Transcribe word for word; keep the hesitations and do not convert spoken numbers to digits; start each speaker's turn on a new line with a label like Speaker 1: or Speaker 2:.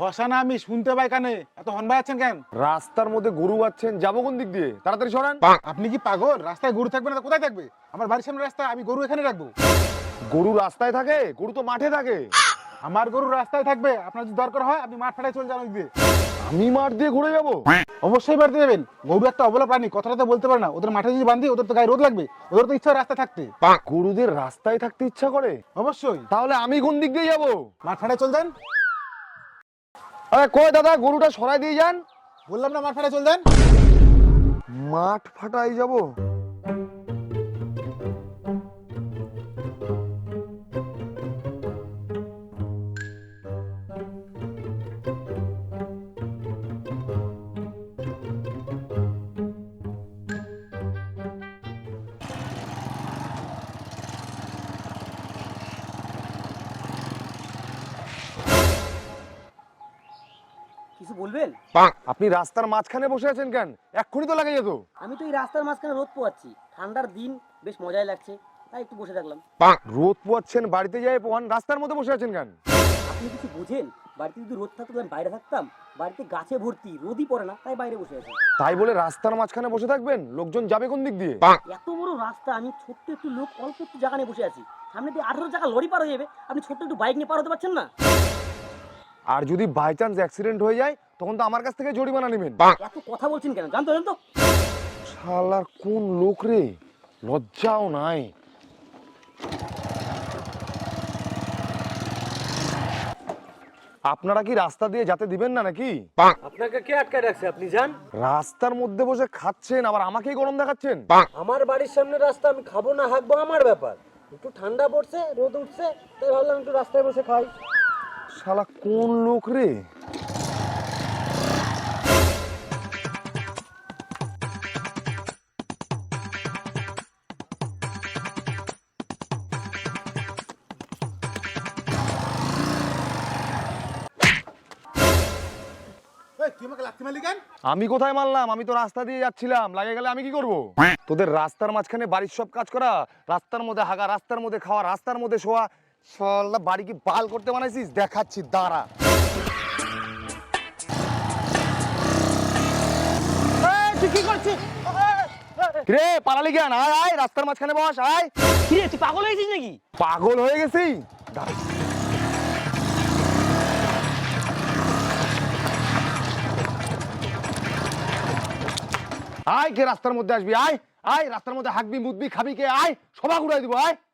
Speaker 1: বসা না আমি শুনতে পাই কানে, এত হন বাজাচ্ছেন কেন?
Speaker 2: রাস্তার মধ্যে গরু বাচ্ছেন, যাবো কোন দিক দিয়ে? তাড়াতাড়ি সরান।
Speaker 1: আপনি কি পাগল? রাস্তায় গরু থাকবে না তো কোথায় থাকবে? আমার বাড়ির সামনে রাস্তা, আমি গরু এখানে রাখবো?
Speaker 2: গরু রাস্তায় থাকে? গরু তো মাঠে থাকে।
Speaker 1: আমার গরু রাস্তায় থাকবে, আপনার যদি দরকার হয় আপনি মাঠ ফাটায় চলে যান ওই দিয়ে।
Speaker 2: আমি মাঠ দিয়ে ঘুরে যাবো?
Speaker 1: অবশ্যই বাড়তে যাবেন, গরু একটা অবলা প্রাণী, কথাটা তো বলতে পারে না। ওদের মাঠে যদি বান্ধি ওদের তো গায়ে রোদ লাগবে, ওদের তো ইচ্ছা রাস্তা থাকতে।
Speaker 2: গরুদের রাস্তায় থাকতে ইচ্ছা করে?
Speaker 1: অবশ্যই।
Speaker 2: তাহলে আমি কোন দিক দিয়ে যাবো?
Speaker 1: মাঠ ফাটায় চল যান।
Speaker 2: আরে কই দাদা, গরুটা সরাই দিয়ে যান।
Speaker 1: বললাম না মাঠ ফাটায় চল যান।
Speaker 2: মাঠ ফাটাই যাবো?
Speaker 3: কিছু বলবেন?
Speaker 2: আপনি রাস্তার মাঝখানে বসে আছেন কেন? এক্ষুনি তো লাগে যেত।
Speaker 3: আমি তো এই রাস্তার মাঝখানে রোদ পোয়াচ্ছি, ঠান্ডার দিন, বেশ মজাই লাগছে, তাই একটু বসে থাকলাম।
Speaker 2: রোদ পোয়াচ্ছেন, বাড়িতে যাই পোয়ান, রাস্তার মধ্যে বসে আছেন কেন?
Speaker 3: আপনি কিছু বোঝেন? বাড়িতে যদি রোদ থাকতো আমি বাইরে থাকতাম, বাড়িতে গাছে ভর্তি, রোদই পড়ে না, তাই বাইরে বসে আছি।
Speaker 2: তাই বলে রাস্তার মাঝখানে বসে থাকবেন? লোকজন যাবে কোন দিক দিয়ে?
Speaker 3: এত বড় রাস্তা, আমি ছোট্ট একটু লোক, অল্প একটু জায়গা নিয়ে বসে আছি, সামনে দিয়ে আঠারো চাকা লরি পার হয়ে যাবে, আপনি ছোট্ট একটু বাইক নিয়ে পার হতে পারছেন না?
Speaker 2: আর যদি বাই চান্স অ্যাক্সিডেন্ট হয়ে যায় তখন তো আমার কাছ থেকে জরিমানা নেবেন।
Speaker 3: এত কথা বলছেন কেন? জানতো জানতো
Speaker 2: শালার কোন লোক রে, লজ্জাও নাই। আপনারা কি রাস্তা দিয়ে যেতে দিবেন না নাকি?
Speaker 4: আপনাকে কে আটকায় রাখছে? আপনি যান।
Speaker 2: রাস্তার মধ্যে বসে খাচ্ছেন আবার আমাকেই গরম দেখাচ্ছেন।
Speaker 4: আমার বাড়ির সামনে রাস্তা, আমি খাবো না হাঁকবো আমার ব্যাপার। একটু ঠান্ডা পড়ছে, রোদ উঠছে, তাই ভাবলাম একটু রাস্তায় বসে খাই।
Speaker 2: শালা কোন লোক রে।
Speaker 1: এই, তুই আমাকে লাথি মারলি কেন?
Speaker 2: আমি কোথায় মারলাম? আমি তো রাস্তা দিয়ে যাচ্ছিলাম, লাগে গেলে আমি কি করব? তোদের রাস্তার মাঝখানে বাড়ির সব কাজ করা, রাস্তার মধ্যে হাগা, রাস্তার মধ্যে খাওয়া, রাস্তার মধ্যে শোয়া, শালা বাড়ি কি বাল করতে বানাইছিস? দেখাচ্ছি দাঁড়া।
Speaker 3: তুই কি করছিস?
Speaker 2: রে পালালি কেন? আয় আয়, রাস্তার মাঝখানে বস, আয়।
Speaker 3: কিরে তুই পাগল হয়েছিস নাকি?
Speaker 2: পাগল হয়ে গেছি? দাঁড়া। আয়, কে রাস্তার মধ্যে আসবি? আয় আয়, রাস্তার মধ্যে হাঁকবি মুদবি খাবি কে? আয়, সবা ঘুরাই দিব, আয়।